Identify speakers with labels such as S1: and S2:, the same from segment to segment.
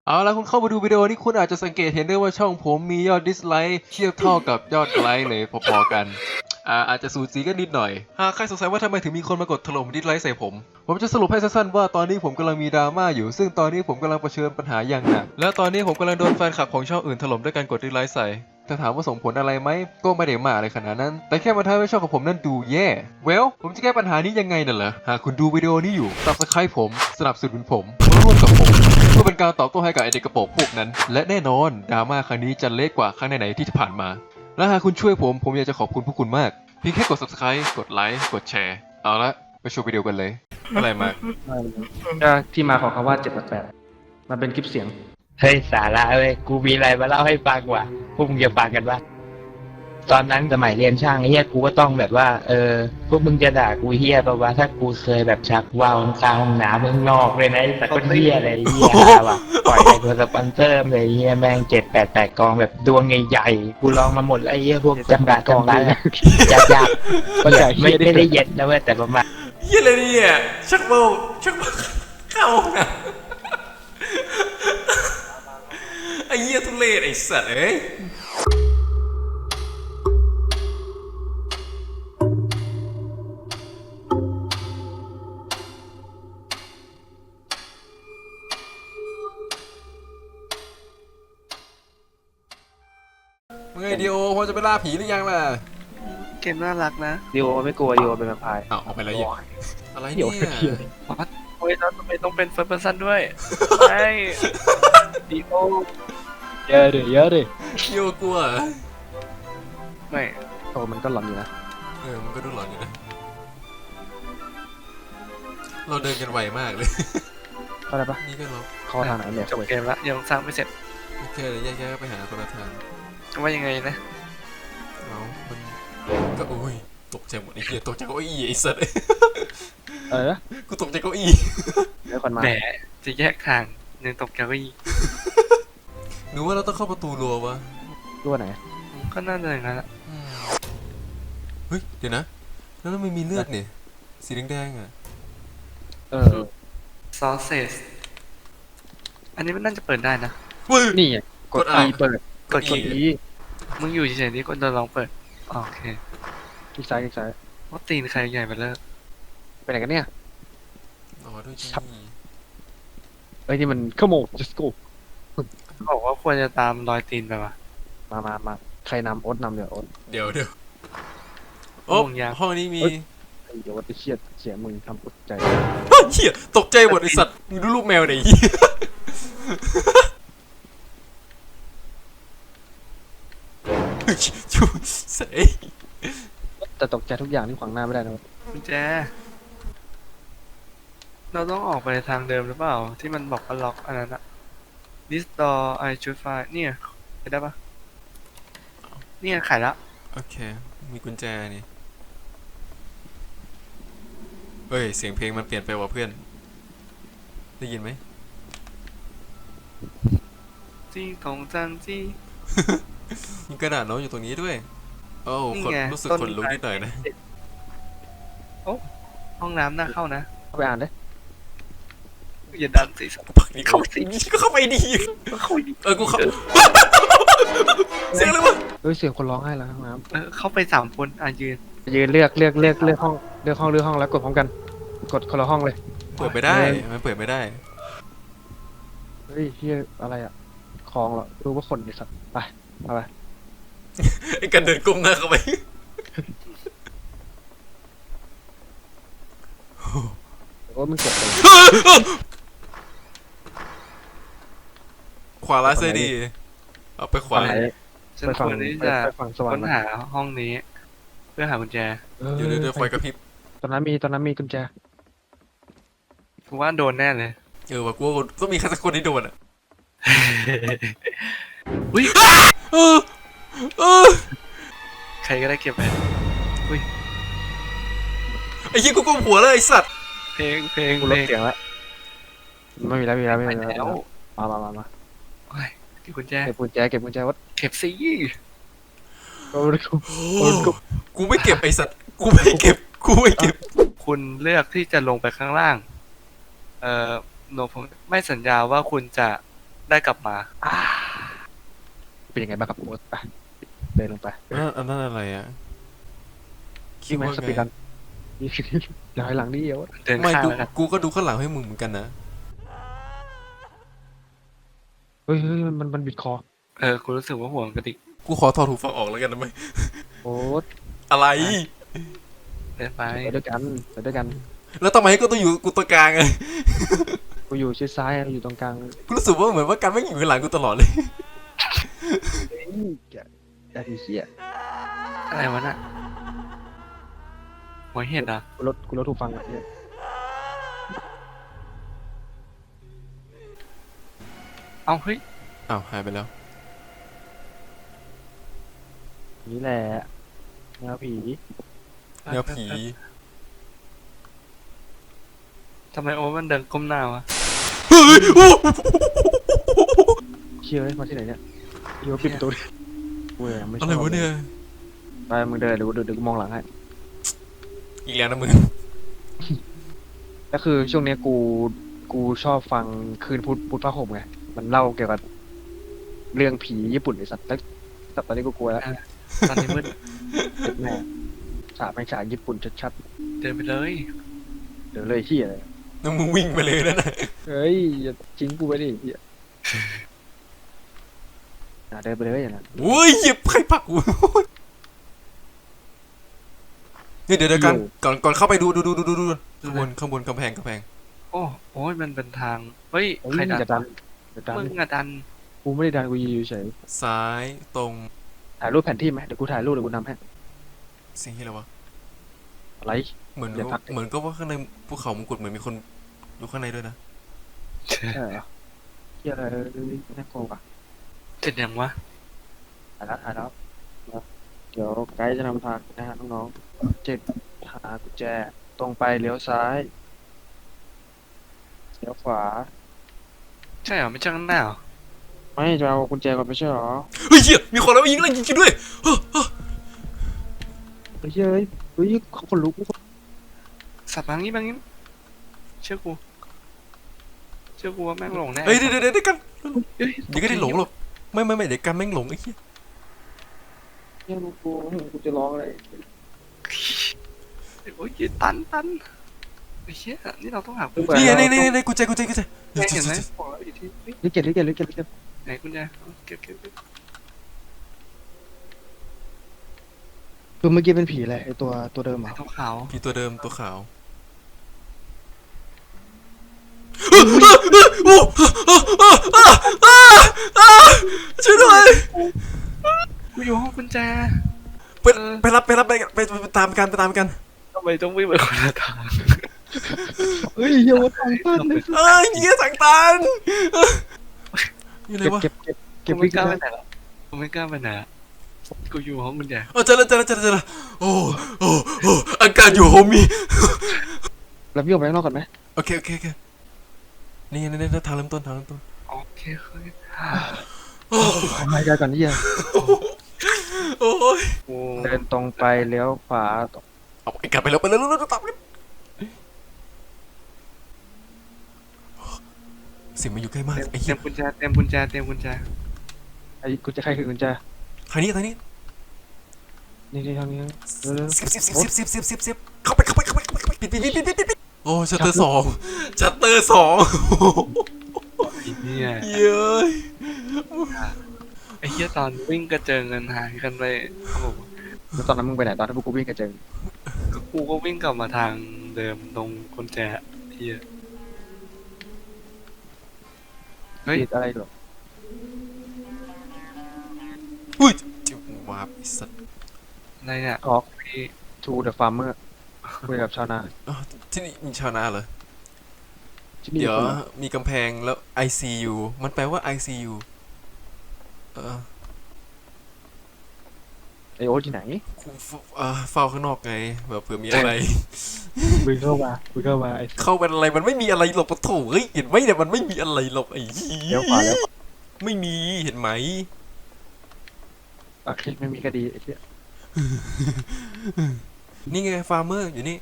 S1: เอาละคุณเข้ามาดูวิดีโอนี้คุณอาจจะสังเกตเห็นได้ว่าช่องผมมียอดดิสไลค์เทียบเท่ากับยอดไลค์เลยพอๆกันอาจจะสูสีกันนิดหน่อยหากใครสงสัยว่าทำไมถึงมีคนมากดถล่มดิสไลค์ใส่ผมจะสรุปให้สั้นๆว่าตอนนี้ผมกำลังมีดราม่าอยู่ซึ่งตอนนี้ผมกำลังเผชิญปัญหาอย่างหนักและตอนนี้ผมกำลังโดนแฟนคลับของช่องอื่นถล่มด้วยการกดดิสไลค์ใส่ถ้าถามว่าส่งผลอะไรไหมก็ไม่ได้มากอะไรขนาดนั้นแต่แค่มาทำให้ช่องของผมนั้นดูแย่ผมจะแก้ปัญหานี้ยังไงน่ะเหรอหากคุณดูวิดีโอนี้อยู่ Subscribe ผมสนับสนุนผมมาร่วมกับผมเพื่อเป็นการตอบโต้ให้กับไอเด็กกระโปรงพวกนั้นและแน่นอนดราม่าครั้งนี้จะเละกว่าครั้งไหนๆที่ผ่านมาและหากคุณช่วยผมอยากจะขอบคุณพวกคุณมากเพียงแค่กด Subscribe กดไลค์กดแชร์เอาละไปชมวิดีโอกันเลยอะไรมาก
S2: ก็ที่มาของคำว่า788มันเป็นคลิปเสียง
S3: เฮ้ยสาระเว้ยกูมีอะไรมาเล่าให้ฟังว่ะพวกมึงจะฟังกันปะตอนนั้นสมัยเรียนช่างไอ้เฮียกูก็ต้องแบบว่าพวกมึงจะด่ากูเฮียปะวะถ้ากูเคยแบบชักว่าวข้างห้องน้ำข้างนอกเลยนะไอ้สักคนเฮียอะไรเฮียว่ะปล่อยไอ้ตัวสปอนเซอร์เลยเฮียแม่ง788กองแบบดวงใหญ่ๆกูลองมาหมดแล้วไอ้เฮียพวกจำกัดยากๆก็แบบไม่ได้เย็นนะเว้ยแต่ประมาณ
S1: เฮียอะไรเนี่ยชักเบาเข้าห้องน้ำไอ้เฮียทุเรศไอ้สัตว์เอ้ยมึงไงดีโอพอจะไปล่าผีหรือยังล่ะ
S4: เกมน่ารักนะ
S2: ดิโอไม่กลัวดิโอเป็นแวมไพร์
S1: อ้าวออกไปแล้วยังอะไร
S2: เดี๋
S1: เนี่ย
S2: วย เดี๋ยว
S4: โอ้ยแล้วทำไมต้องเป็น first person ด้วย ใช่ดีโอ
S2: เยอะดิเยอะดิ
S1: โยกลัวเหรอ
S4: ไม่
S2: โอ้มันก็หลอนอยู่นะ
S1: มันก็ดูหลอนอยู่นะเราเดินกันไวมากเลย
S2: เข้าใจปะ
S1: นี่ก็ล็อก
S2: เข้าทางไหนเนี่ย
S4: จบเกมละยังสร้างไม่เสร็จ
S1: โอเคเลยแยกๆไปหาคนละทาง
S4: ว่ายังไงนะ
S1: เอามันก็โอ้ยตกใจหมดไอ้เหี้ยตกใจเก้าอี้ไอ้สัตว์
S2: นะ
S1: กูตกใจเก้าอี้
S2: เดี๋ยวคนมา
S4: แหมจะแยกทางหนึ่งตกเก้าอี้
S1: หรือว่าเราต้องเข้าประตูรั้ววะ
S2: รั่วไหน
S4: ก็น่าจะอย่างนั้นละ
S1: เฮ้ยเดี๋ยวนะแล้วมันมีเลือดเนี่ยสีแดงๆอ่ะ
S4: ซอสเซสอันนี้มันน่าจะเปิดได้นะ
S1: เฮ้ย
S2: นี่ไงกด
S1: กดอ่ะ
S2: E เปิด
S4: กด
S1: กด
S4: E มึงอยู่เฉยๆนี่คนจะลองเปิดโอเค
S2: คลิกซ้ายคลิกซ้าย
S4: ว่าตีนใครใหญ่มาเลิก
S2: ไปไหนกันเนี่ย
S1: อ๋อด้วยจี
S2: เอ้ยนี่มันขโมย just go
S4: เขาบอกว่าควรจะตามรอยตีนไปว่ะ
S2: มาใครนำโอ๊ตนำเดี๋ยวโอ๊ต
S1: เดี๋ยวโอ้
S4: ห่วงยาง
S1: ห้องนี้มี
S2: ไอ้เดี๋ยวโอ๊ตไอ้เชี่ยเสียงมึงทำอุดใจ
S1: เฮ้ยเหี้ยตกใจหมดไอ้สัตว์มึงดูลูกแมวไหนอยไอ้เหี้ยชูเสย
S2: แต่ตกใจทุกอย่างที่ขวางหน้าไม่ได้นะ
S4: กุญแจเราต้องออกไปทางเดิมหรือเปล่า ที่มันบอกว่าล็อกอันนั้นอะ This door I should find เนี่ยไปได้ปะเนี่ยขายละ
S1: โอเคมีกุญแจนี่เฮ้ยเสียงเพลงมันเปลี่ยนไปว่ะเพื่อนได้ยินไหม
S4: จี้ตรงจังจี้
S1: มีกระดาษโน้ตอยู่ตรงนี้ด้วยโอ้
S4: นี่
S1: คน
S4: ไง
S1: รู้สึก
S4: ต้น
S1: ขนลุกนิดหน่อยนะ
S4: โอ้ห้องน้ำน่าเข้านะ
S2: เข้าไปอ่านดิ
S4: อย่าดันสิสัตว์
S1: ปักนี่เข้าสิก็เข้าไปดี
S4: เข้าดิ
S1: กูเข้าเสียงอะไรวะ
S2: เฮ้ยเสียงคนร้องไห้แล้วห้องน้
S4: เข้าไป3 คนยืน
S2: ำยืนเลือกห้องเลือกห้องแล้วกดพร้อมกัน กดคนละห้องเลย
S1: เปิดไม่ได้มันเปิดไม่ได้
S2: เฮ้ยเฮียอะไรอ่ะคลองเหรอรู้ว่าคนไอ้สัตว์ไปเอาไป
S1: ไอ้กันเดินก้มหน้าเข้าไป
S2: โอ้ยมันเก็บไป
S1: ขวาร้ายซ้ายดีเอาไปขวา
S4: ฉันควรที่จะ
S2: ไปฝั่งสว่าง
S4: ค้นหาห้องนี้ เพื่อหากุญแจ
S1: เดี๋ยวไฟกระพริบ
S2: ตอนนั้นมีกุญแจ
S4: กูว่าโดนแน่เลย
S1: ว่ะกูว่าต้องมีใครสักคนที่โดนอ่ะ
S4: อุ้ย
S1: เออเออ
S4: ใครก็ได้เก็บไป
S1: ไอ้ยี่กูก้มหัวเลยไอ้สัตว์
S4: เพลง
S2: กูลดเสียงแล้วไม่มีแล้ว
S4: ไป
S2: มา
S4: แล้วโอ้ยเก็บกุญแจ
S2: เก็บกุญแจวัด
S4: เก็บสิ
S1: กูไม่เก็บไอ้สัตว์กูไม่เก็บ
S4: คุณเลือกที่จะลงไปข้างล่างโนผมไม่สัญญาว่าคุณจะได้กลับมา
S2: เป็นยังไงบ้างครับโอ๊ตไปเดินลงไป
S1: อันนั้นอะไรอ่ะ
S2: คิดไหมสปีดรันนี่อย่าให้หลังดิโอ๊ต
S4: เดิน
S1: ไม่
S4: ข้าง
S1: กู
S4: แล้วกัน
S1: กูก็ดูข้างหลังให้มึงเหมือนกันนะ
S2: เฮ้ยมันบิดคอ
S4: กูรู้สึกว่าหัวมันกระดิก
S1: กูขอถอดหูฟังออกแล้วกันได้ไหม
S2: โอ๊ต
S1: อะไร
S4: เดินไป
S2: ไปด้วยกันไปด้วยกัน
S1: แล้วทำไมกูต้องอยู่กูตัวกลางไง
S2: กูอยู่ชิดซ้ายอยู่ตรงกลาง
S1: กูรู้สึกว่าเหมือนว่าการไม่งอยู่ข้างหลังกูตลอดเลย
S2: เฮ้ยอย่าดีเหี้ย
S4: อะไรวะน่ะหัวเห็ดอ่ะ
S2: กูลดถูกฟังอ่ะเนี่ย
S4: เอาเฮ้ย
S1: อ้าวหายไปแล้ว
S2: นี่แหละแนวผี
S1: แนวผี
S4: ทำไมโอ้มันเดินก้มหน้าวะ
S1: เฮ้ยโอ้
S2: เชี่ยมาที่ไหนเนี่ยอยู่ปิดประตูดิเว้ยไม่ช
S1: อะไร
S2: อบ
S1: วะเนี่ย
S2: ไปมึงเดินเดี๋ยวกูมองหลังให้
S1: อีกแล้วนะมึง
S2: ก็คือช่วงเนี้ยกูชอบฟังคืนพุทธพระห่มไงมันเล่าเกี่ยวกับเรื่องผีญี่ปุ่นไอ้สัตว์แต่ตอนนี้กูกลัวแล้ว
S4: ตอนนี้มืด
S2: เจ็บแม่ฉากไม่ฉากญี่ปุ่นชัด
S4: เดินไปเลย
S2: ๆเดี๋ยวเลยเฮียเลย
S1: แล้วมึงวิ่งไปเลยนะน่ะ
S2: เฮ้ยอย่าทิ้งกูไว้ดิเฮียเดินไปเลยอย่างนั้น
S1: โอ้ยเหยียบใครผลักกูเนี่ยเดี๋ยวก่อนเข้าไปดูข้างบนกำแพง
S4: โอ้ยมันเป็นทางเฮ้ย
S2: เฮ้ย
S4: ใคร
S2: อย่า
S4: ดั
S2: ดั
S4: น
S2: นอย่าดัน
S4: มึงอะดัน
S2: กูไม่ได้ดันกูยืนเฉย
S1: ซ้ายตรง
S2: ถ่ายรูปแผนที่ไหมเดี๋ยวกูถ่ายรูปเดี๋ยวกูนำให้
S1: สิ่งที่อะไรวะ
S2: อะไร
S1: เหมือน
S2: อย่าทัก
S1: เหมือนก็ว่าข้างในภูเขามงกุฎเหมือนมีคนอยู่ข้างในด้วยนะ
S2: ใช่เหรอเฮียอะไรน่ากลัวว่ะ
S4: เจ็ดยังวะ
S2: ถ่ายแล้วเดี๋ยวไกด์จะนำทางนะฮะน้องๆหากุญแจตรงไปเลี้ยวซ้ายเลี้ยวขวา
S4: ใช่เหรอไม่ใช่ข้างหน้าเหรอ
S2: ไม่จะเอากุญแจก่อนไม่ใช่หรอ
S1: เฮ้ยเหี้ยมีคนแล้วยิงจริงๆด้วย
S2: เฮ้ยเฮ้ยคนลุก
S4: สับมางี้บางงี้เชื่อกูว่าแม่งหลงแน่
S1: เฮ้ยเดี๋ยวกัน
S4: เฮ้ย
S1: เดี๋ยวก็ได้หลงหรอกไม่เดี๋ยวกันแม่งหลงไอ้เหี้ย
S2: เนี่ยกูจะร้องอะไร
S4: โอ้ยตันไอ้เหี้ยนี่เราต้องหากุญแจ
S1: นี่กุญแจ
S4: เห็นไหมบอกแล้วอยู่ที่เฮ้ย
S2: ลิเกต
S4: ไหนกุญแจเอาเก็บ
S2: คือเมื่อกี้เป็นผีแหละไอตัวเดิมอ่ะ
S4: ตัวขาว
S1: ผีตัวเดิมตัวขาวช่วยด้วย
S4: กูอยู่ห้องกุญแจ
S1: ไปรับไปตามกัน
S4: ทำไมต้องวิ่งไปคนละทาง
S2: เฮ้ยเฮียว่าทางตันเลย
S1: เหี้ยสังตันอยู่ไหนวะ
S2: เก็บ
S4: กู
S2: วิ่
S4: ไม่
S2: ง
S4: กล้า
S2: กั
S4: ไป
S2: น
S4: ไหนละกูไม่กล้าไปไหนละกูอยู่ห้องกุญแจ
S1: เจอแล้วโอ้อาการอยู่โฮมี่
S2: แล้วพี่ออกไปข้างนอกก่อนไหม
S1: โอเคนี่ทางเริ่มต้น
S4: โอเคเฮ้ย
S2: ทำไมกันก่อนเฮีย
S1: โอ้ย
S4: กู
S2: เดินตรงไปเลี้ยวขวาต่อ
S1: เอาไอ้กัดไปแล้วตามกันเสียงมันอยู่ใกล้มากไอ้
S4: เต
S1: เหี้
S4: รี
S1: ย
S4: ยมกุญแจเตรียมกุญแจ
S2: ไอ้กุญแจใครคือกุญแจ
S1: ทางนี้
S2: นี่ทางนี้เร็ว
S1: สิบเข้าไปปิดโอ้ชัตเตอร์สอง
S4: ไอ้เนี่ย
S1: เย้ย
S4: ไอ้เหี้ยตอนวิ่งกระเจิงเงินหายกันไปโอ้โห
S2: แล้วตอนนั้นมึงไปไหนตอนที่พวกกูวิ่งกระเจิง
S4: กูก็วิ่งกลับมาทางเดิมตรงกุญแจเหี้ย เฮ้ย
S2: ติดอะไรหรอ
S1: อุ้ยจิบวาบไอ้สัตว์
S4: อะไรเนี่ย
S2: ทอล์ก
S4: พี่
S2: ทูเดอะฟาร์มเมอร์คุยกับชาวนา
S1: ที่นี่มีชาวนาเหรอ
S2: ที่นี่
S1: เดี๋ยว
S2: คนละ
S1: มีกำแพงแล้ว ICU มันแปลว่า ICU
S2: ไอโอ๊ตที่ไหน
S1: กูเฝ้าข้างนอกไงแบบเผื่อมีอะไร
S2: คุยเข้ามาไอ้
S1: เข้าเป็นอะไรมันไม่มีอะไรหรอกปะโถเฮ้ยเห็นไหมเนี่ยมันไม่มีอะไรหรอกไอ้เหี้
S2: เลี้ยวขวาแล้ว
S1: ไม่มีเห็นไหม
S2: โอเคไม่มีคดีไอ้เหี้ย
S1: นี่ไงฟาร์มเมอร์อยู่นี่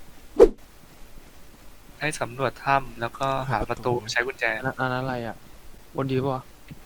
S4: ให้สำรวจถ้ำแล้วก็หาประตูใช้กุญแจ
S2: อันนั้นอะไรอ่ะวนดีป่ะวะ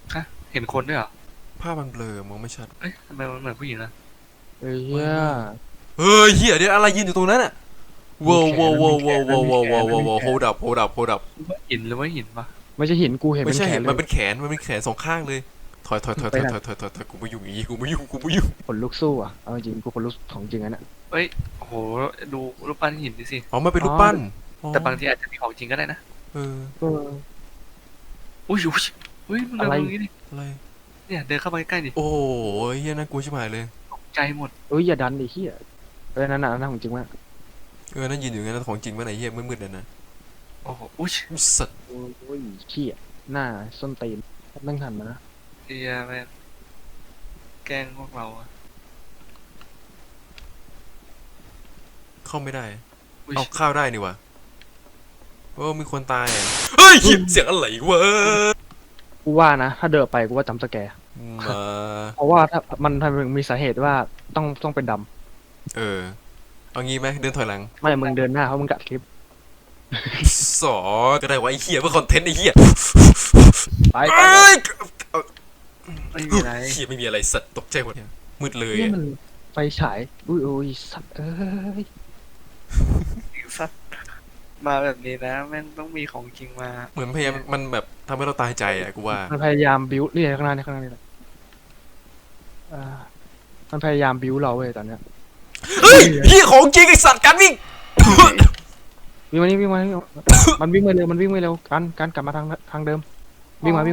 S4: ฮะเห็นคนด้วยเหรอ
S1: ภาพมันเบลอมองไม่ชัด
S4: เอ้ยทำไมมันเหมือนผู้หญิงนะ
S2: เฮ้ยเหี้ย
S1: เฮ้ยเฮียเดี๋ยวอะไรยืนอยู่ตรงนั้นอะว้าวว้าวว้าวว้าวว้าวว้าวว้าวว้าว hold up hold up hold up
S4: ว่าหินหรือว่าหินปะ
S2: ไม่ใช่หินกูเห็น
S1: ไม่
S2: เป็น
S1: ใช่
S2: แขน
S1: มัน
S2: เล
S1: เป็
S2: ย
S1: นแขนมันเป็นแขนสองข้างเลยถอยกูไม่ยุ่งอีกูไม่ยุ่ง
S2: ขนลุกสู้อ่ะเอาจริงกูขนลุกของจริงอะเนี่ย
S4: เอ้ยโอ้โหดูรูปปั้นหินดิสิ
S1: อ๋อมันเป็นรูปปั้น
S4: แต่บางทีอาจจะมีของจริงก็ได้นะ
S1: เออ
S2: เออ
S4: อุ้ยอุ้ยเฮ้ยมึงเดิน
S2: อะไร
S4: ตรงนี้ดิ
S1: อะไร
S4: เนี่ยเดินเข้ามาใกล้ๆดิ
S1: โอ้ยเฮียน่ากลัวชิบหายเลย
S4: ตกใจหมด
S2: เอ้ยอย่าดันดิเฮียเอ้ยนั่นน่ะนั่นของจริงมาก
S1: เออนั่นยืนอยู่งั้นของจริงป่ะไหนเฮียมืดๆเลยนะ
S4: โอ้โหอุ้ย
S1: สัตว์
S2: โอ้ยขี้อะหน้าส้นตีนต้องหันมานะ
S4: เฮียแม่งแกล้งพวกเราอะ
S1: เข้าไม่ได้
S4: อุ้ย
S1: เอาเข้าได้นี่วะโอ้มีคนตายอ่ะเฮ้ยเสียงอะไรวะ
S2: กูว่านะถ้าเดินไปกูว่าจำสแกร์
S1: มา
S2: เพราะว่าถ้ามันมีสาเหตุว่าต้องเป็นด
S1: เออเอางี้ไหมเดินถอยหลัง
S2: ำไม่มึงเดินหน้าเพราะมึงกัดคลิป
S1: สอก็ได้วะไอ้เหี้ยเพื่อคอนเทนต์ไอ้เหี้ย
S2: ไป
S1: เอ้ย
S4: ไม่มีอะไร
S1: เหี้ยไม่มีอะไรสัตว์ตกใจหมดมืดเลย
S2: นี่
S1: อะ
S2: มันไฟฉายอุ้ยสัตว์เอ้ย
S4: สัตว์มาแบบนี้นะแม่งต้องมีของจริงมา
S1: เหมือนพยายามมันแบบทำให้เราตายใจอ่ะกูว่า
S2: มันพยายามบิ้วนี่ข้างหน้านี่ข้างหน้านี่แหละอ่ามันพยายามบิ้วเราเว้ยตอนเนี้ย
S1: เฮ้ยเหี้ยของจริงไอ้สัตว์กันวิ่ง
S2: วิ่งมานี่วิ่งมานี่มันวิ่งมาเร็วมันวิ่งมาเร็วการกลับมาทางเดิม วิ่งมา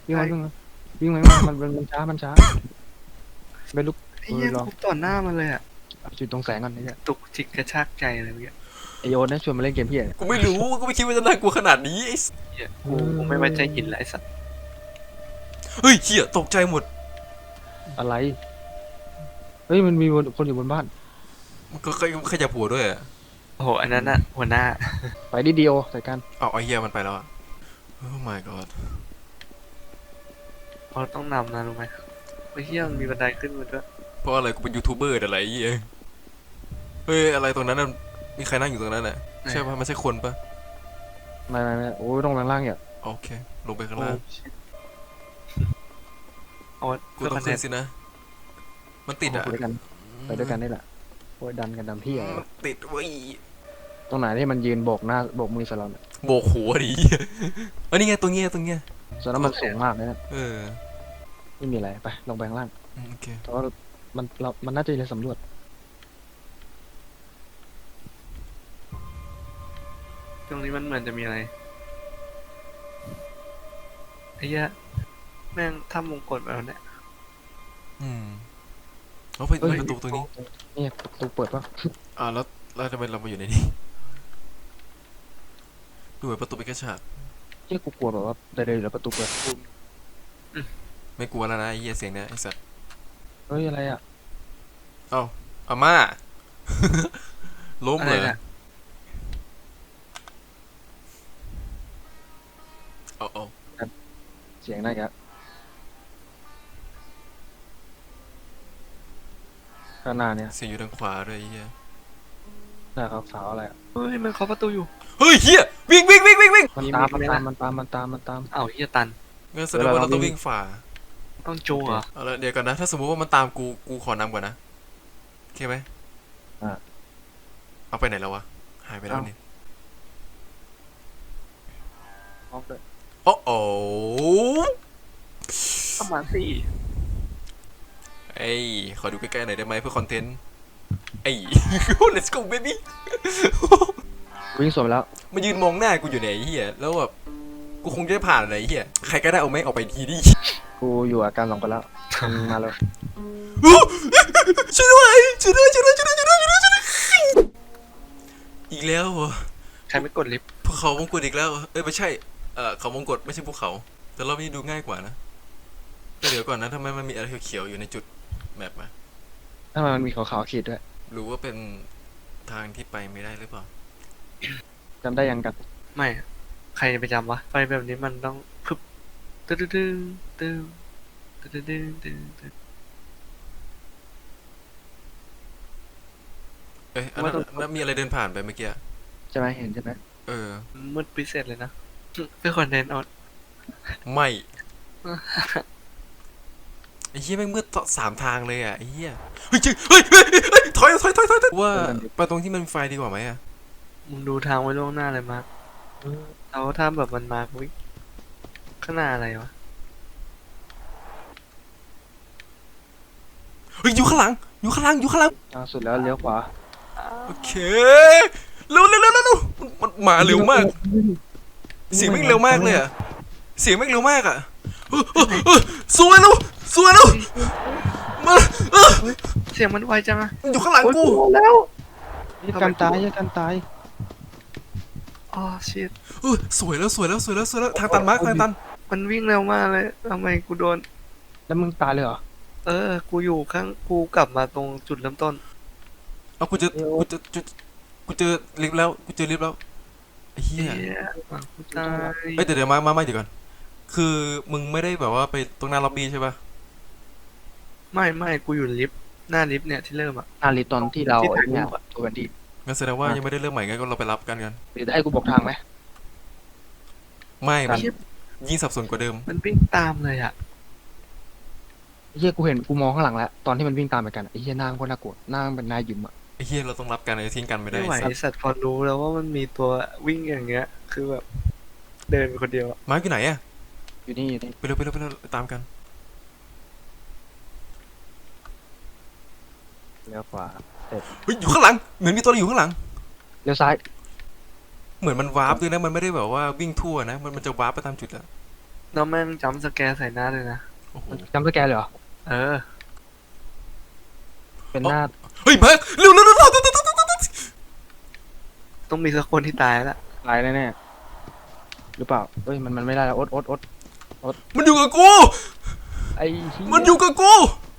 S2: มันช้าไปลุก
S4: ไอ้เหี้ย
S2: ลอง
S4: ทุบต่อหน้ามันเลยอะ
S2: จุดตรงแสงก่อนนี่เนี่ย
S4: ตุกจิกกระชากใจอะไรเงี้ย
S2: ไอโยนนะชวนมาเล่นเกมพี่เนี่ย
S1: กูไม่รู้กูไม่คิดว่าจะน่ากลัวขนาดนี้ไอ้สัส
S4: เหี้ยกูไม่ไว้ใจหินแล้วไอ้สัตว์
S1: เฮ้ยเหี้ยตกใจหมด
S2: อะไรเฮ้ยมันมีคนอยู่บนบ้าน
S1: มันก็ขยับหัวด้วยอะ
S4: โอ้โหอันนั้นอะหัวหน้า
S2: ไปดิเดียวใส่กัน
S1: เอาไอ้เหี้ยมันไปแล้วอ่ะโอ้ my god
S4: เราต้องนำนะรู้ไหมไอ้เหี้ยมันมีบันไดขึ้นมาด้วย
S1: เพราะอะไรกูเป็นยูทูบเบอร์อะไรไอ้เหี้ยเฮ้ยอะไรตรงนั้นน่ะมีใครนั่งอยู่ตรงนั้นน่ะใช่ปะมันใช่คนปะ
S2: ไม่โอ้ยต้องล่างอย่า
S1: โอเค ลงไปข้าง
S4: โอ้
S1: ล่าง
S4: ชิตเอา
S1: กูต้องขึ้นสินะ มันติดอ่ะ
S2: ไปด้วยกันนี่แหละโอ้ยดันกันดำพี่อะไร
S1: ติดเว้ย
S2: ตรงไหนที่มันยืนโบกหน้าโบกมือใส่เราเนี่ย
S1: โบกหัวดิเอันนี้ไงตรงเงี้ย
S2: ส่วนนั้นมันสูงมากเลยนะ
S1: เออ
S2: ไม่มีอะไรไปลงไปข้างล่าง
S1: โอเค
S2: แต่ว่ามันน่าจะเลยสำรวจ
S4: ตรงนี้มันเหมือนจะมีอะไรไอ้เหี้ยแม่งทำมงกฎแบบเนี้ย
S1: อืมเอาไปประตูตรงนี้
S2: นี่ประตูเปิดป่ะ
S1: แล้วทำไมเรามาอยู่ในนี้ดูเหมือนประตูเป็นแค่ฉาก
S2: เฮ้ยกูกลัวแบบว่าเดินแล้วประตูเปิด
S1: ไม่กลัวแล้วนะไอ้เหี้ยเสียงเนี้ยไอ้สัตว์
S2: เฮ้ยอะไรอ่ะ
S1: อาม่า ล้ม
S4: อะไร
S1: เลย
S4: น่ะ
S1: เอา
S2: เสียงได้ครับข้างหน้าเนี่ย
S1: เสียงอยู่ทางขวาด้วยไอ้เหี้ย
S2: หน้าขาวๆอะไรอะ
S4: เฮ้ยมันเคาะประตูอยู่
S1: เฮ้ยเหี้ยวิ่ง
S2: มัน
S4: มี
S2: ตาม
S4: มีไหม
S2: มันตาม
S4: อ้าวเหี้ยตัน
S1: งั้นแสดงว่าเราต้องวิ่งฝ่า
S4: ต้องโจเหรอ
S1: เอาละเดี๋ยวก่อนนะ ถ้าสมมติว่ามันตามกูขอนำก่อนนะโอเคไหมเอาไปไหนแล้ววะ หายไปแล้วนี่
S2: ออกเลย
S1: โอ้โห
S4: เข้ามาสิ
S1: เอ้ยขอดูใกล้ๆหน่อยได้ไหมเพื่อคอนเทนต์เอ้ย let's go baby
S2: วิ่งสวนไปแล้ว
S1: มายืนมองหน้ากูอยู่ไหนยไอ้เฮียแล้วแบบกูคงจะผ่านอะไรไอ้เฮียใครก็ได้เอาไม่ออกไปทีดิ
S2: กูอยู่อาการสองกันแล้วมันมาแล้ว
S1: ช่วยด้วยอีกแล้วเหรอ
S4: ใครไม่กดลิฟต์
S1: ภูเขามงกุฎอีกแล้วเอ้ยไม่ใช่เขามงกุฎไม่ใช่ภูเขา แต่รอบนี้ดูง่ายกว่านะแต่เดี๋ยวก่อนนะทำไมมันมีอะไรเขียวๆอยู่ในจุดแมปมา
S2: ทำไมมันมีขาวๆขีดด้วย
S1: รู้ว่าเป็นทางที่ไปไม่ได้หรือเปล่า
S2: จำได้ยังกัน
S4: ไม่ใครจะไปจำวะไฟแบบนี้มันต้องพึบตึ๊ดตึ๊ดตึ๊ดตึ๊ดตึ๊ดตึ๊ดตึ๊ดตึ๊ด
S1: เอ้ยอันนั้นมีอะไรเดินผ่านไปเมื่อกี้
S2: ใช่ไหมเห็นใช่ไหม
S1: เออ
S4: มืดพิเศษเลยนะเพื่อคอนเทนต์เอา
S1: ไม่ไอ้เหี้ยแม่งมืดสามทางเลยอ่ะไอ้เหี้ยเฮ้ยเฮ้ยเฮ้ยเฮ้ยถอยว่าไปตรงที่มันมีไฟดีกว่าไหมอ่ะ
S4: มึงดูทางไว้ล่วงหน้าเลยมาร์คแล้วถ้าแบบมันมาวิ่งข้างหน้าอะไรวะ
S1: เฮ้ยอยู่ข้างหลัง
S2: สุดแล้วเลี้ยวขวา
S1: โอเคเร็วมันมาเร็วมากเสียงแม่งเร็วมากเลยอ่ะเสียงแม่งเร็วมากอ่ะสวยแล้วมา
S4: เสียงมันไวจังอะ
S1: มันอยู่ข้างหลังกู
S4: แล้ว
S2: ยี่กันตายยี่กันตาย
S4: อ๋อชิต
S1: สวยแล้วทางตันมาร์คทางตัน
S4: มันวิ่งเร็วมากเลยทำไมกูโดน
S2: แล้วมึงตายเลยเหรอ
S4: กูอยู่ข้างกูกลับมาตรงจุดเริ่มต้น
S1: เอากูเจอลิฟต์แล้วไอ้เหี้ย
S4: กูตาย
S1: เอ้ยเดี๋ยวมาเดี๋ยวก่อนคือมึงไม่ได้แบบว่าไปตรงหน้าล็อบบี้ใช่ป่ะ
S4: ไม่กูอยู่ลิฟต์หน้าลิฟต์เนี่ยที่เริ่มอะ
S2: อารีตอนที่เรา
S4: ที่ถ่าย
S2: ไอ้เนี่ย
S4: รูปอะ
S2: ตัวกันดี
S1: งั้นแสดงว่ายังไม่ได้เริ่มใหม่งั้นก็เราไปรับกัน
S2: หรือจะให้กูบอกทางไหม
S1: ไม่มันยิ่งสับสนกว่าเดิม
S4: มันวิ่งตามเลยอะ
S2: ไอ้เหี้ยกูเห็นกูมองข้างหลังแล้วตอนที่มันวิ่งตามไปกันไอ้เหี้ยหน้ามันก็น่ากลัวหน้ามันเป็นหน้ายิ้มอ่ะ
S1: ไอ้เหี้ยเราต้องรับกันเลยทิ้งกันไม่ได้
S4: ไม่ไหว
S1: สัต
S4: ไอ้
S1: ว์
S4: สัตว์พอรู้แล้วว่ามันมีตัววิ่งอย่างเงี้ย คือแบบเดินคนเดียวอะ
S1: มาร์คอยู่ไหนอะ
S2: อยู่นี่
S1: ไปเร็วตามกัน
S2: เลี้ยวขวา
S1: เฮ้ยอยู่ข้างหลังเหมือนมีตัวอะไรอยู่ข้างหลัง
S2: เลี้ยวซ้าย
S1: เหมือนมันวาร์ปด้วยนะมันไม่ได้แบบว่าวิ่งทั่วนะมันจะวาร์ปไปตามจุดอะ
S4: แล้วแม่งจัมป์สแกร์ใส่หน้าเลยนะ
S1: โอ้โห
S2: จำสแกนเลยเหรอ
S4: เออ
S2: เป็นหน้า
S1: เฮ้ยมาร์คเร็ว
S4: ต้องมีสักคนที่ตายแล้วล่ะ
S2: ตายแน่ๆหรือเปล่าเอ้ยมันไม่ได้แล้วอด
S1: มันอยู่กับกู
S2: ไอ้เหี้ย
S1: มันอยู่กับกู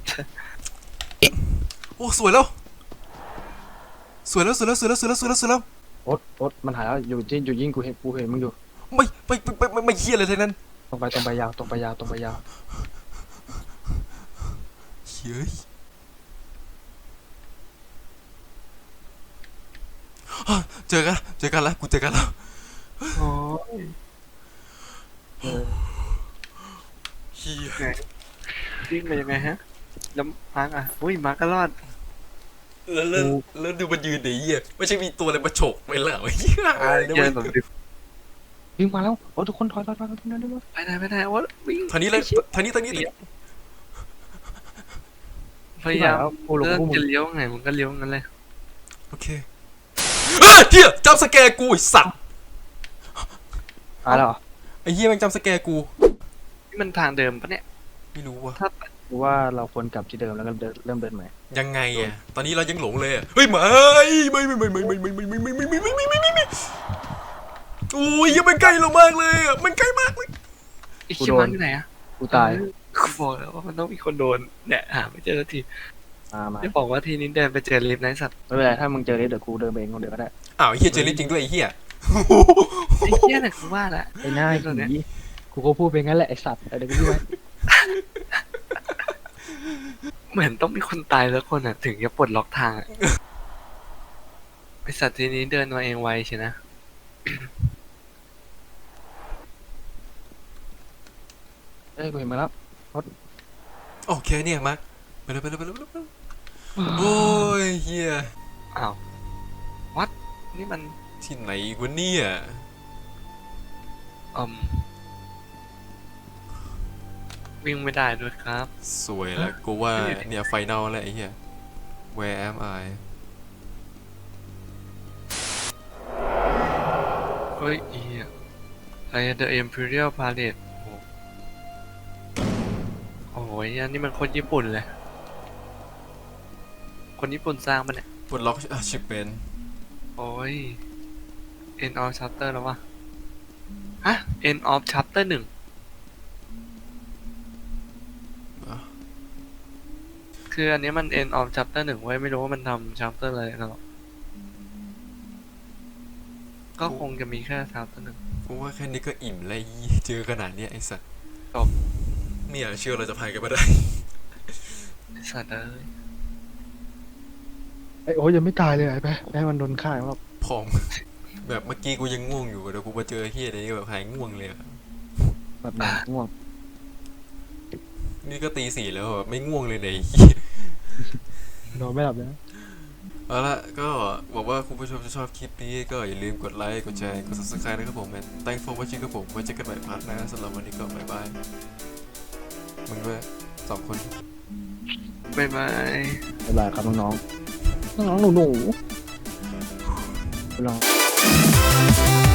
S1: โอ้สวยแล้ว
S2: มันหายแล้วอยู่ยิ่งกูเห็นมึงอยู่
S1: ไม่เหี้ยเลยทั้งนั้น
S2: ตรงไปยาว
S1: เฮ้ยเจอกันแล้วกูเจอกันแล้ว
S4: อ๋อ
S1: เฮีย
S4: วิ่งมายังไงฮะ แล้วมาร์กอ่ะอุ้ยมาร์กก็รอด
S1: แล้วดูมันยืนดิเฮียไม่ใช่มีตัวอะไรมาฉกไปแล้วเฮียอะไร
S4: เจอ
S1: นะ
S4: แบบดิ
S2: วิ่งมาแล้วโอ้ทุกคนถอยด้วย
S4: ไปไหนว่าวิ่ง
S1: ทางนี้เลยทางนี้
S4: พยายามเลือกจะเลี้ยวไงมึงก็เลี้ยวงั้นเลย
S1: โอเคเฮียจำสแกร์กูไอ้สัตว์
S2: ตายแล้วเหรอ
S1: ไอ้เฮียแม่งจำสแกร์กู
S4: นี่มันทางเดิมปะเนี่ย
S1: ไม่รู้ว่ะ
S4: ถ้า
S2: กูว่าเราควรกลับที่เดิมแล้วก็เริ่มเดินใหม่
S1: ยังไงอ่ะตอนนี้เรายังหลงเลยอ่ะเฮ้ยไม่โอ้ยยังมันใกล้เรามากเลยอ่ะมันใกล้มากเลย
S4: ไอ้คิวมันอยู่ไหนอ่ะ
S2: กูตาย
S4: กูบอกแล้วว่ามันต้องมีคนโดนเนี่ยหาไม่เจอสักที
S2: มา
S4: จะบอกว่าทีนี้เดินไปเจอลิฟต์ไนท์สัตว์
S2: ไม่เป็นไรถ้ามึงเจอเดี๋ยวกูเดินไปเองคนเดียวก็ได้
S1: อ้าวไอ้เฮียเจอลิฟต์จริงด้วยไอ้เฮีย
S4: ไอ้เหี้ยเนี่ยกูว่าละ
S2: ไอ้หน้าผีกูก็พูดไปงั้นแหละไอ้สัตว์เดี๋ยวกูพูดไว้
S4: เหมือนต้องมีคนตายแล้วคนอ่ะ ถึงจะปลดล็อกทางอะไอสัตว์ทีนี้เดินมาเองไวใช่นะ
S2: เอ้ยกูเห็นมาแล้ว
S1: โอเคเนี่ยมาร์คไปเลยโอ้ยเฮีย
S4: อ้าววัดนี่มัน
S1: ที่ไหนวะเนี่ย
S4: วิ่งไม่ได้ด้วยครับ
S1: สวยแล้วกูว่าเนี่ยไฟนอลแล้วไอ้เหี้ย Where am I
S4: เฮ้ยเหี้ยไอ้ The Imperial Palace โอ้โหอันนี้มันคนญี่ปุ่นเลย คนญี่ปุ่นสร้างมันเนี่ย
S1: ปลดล็อกชิปเป็น
S4: โอ้ย End of Chapter แล้ววะฮะ End of Chapter 1คืออันนี้มัน End of Chapter 1ไว้ยไม่รู้ว่ามันทำ Chapter อะไรนะหรอกก็คงจะมีแค่ Chapter 1
S1: กูว่าแค่นี้ก็อิ่มแล้วเจอขนาดเนี้ยไอ้สัส
S4: จบ
S1: ไม่อยากเชื่อเราจะผ่านกันมาได้
S4: ไอ้สัตว์เอ้ย
S2: ไอ้โอ้ยยังไม่ตายเลยไอ้แม่มันโดนฆ่าว่า
S1: พองแบบเมื่อกี้กูยังง่วงอยู่เดี๋ยวกูมาเจอเฮียอะไรนี่แบบหายง่วงเลยอะ
S2: แบบไหนง่วง
S1: นี่ก็ตี 4แล้วอะไม่ง่วงเลยเนี่ย
S2: นอนไม่หลับแล้ว
S1: เอาละก็หวังว่าคุณผู้ชมจะชอบคลิปนี้ก็อย่าลืมกดไลค์กดแชร์กด subscribe นะครับผม and thanks for watching ครับผมไว้เจอกันใหม่พาร์ทหน้าสำหรับวันนี้ก็บ๊ายบายมึงด้วย2 คน
S4: บ๊ายบาย
S2: บ๊ายบายครับน้องๆน้องๆหนูๆน้อง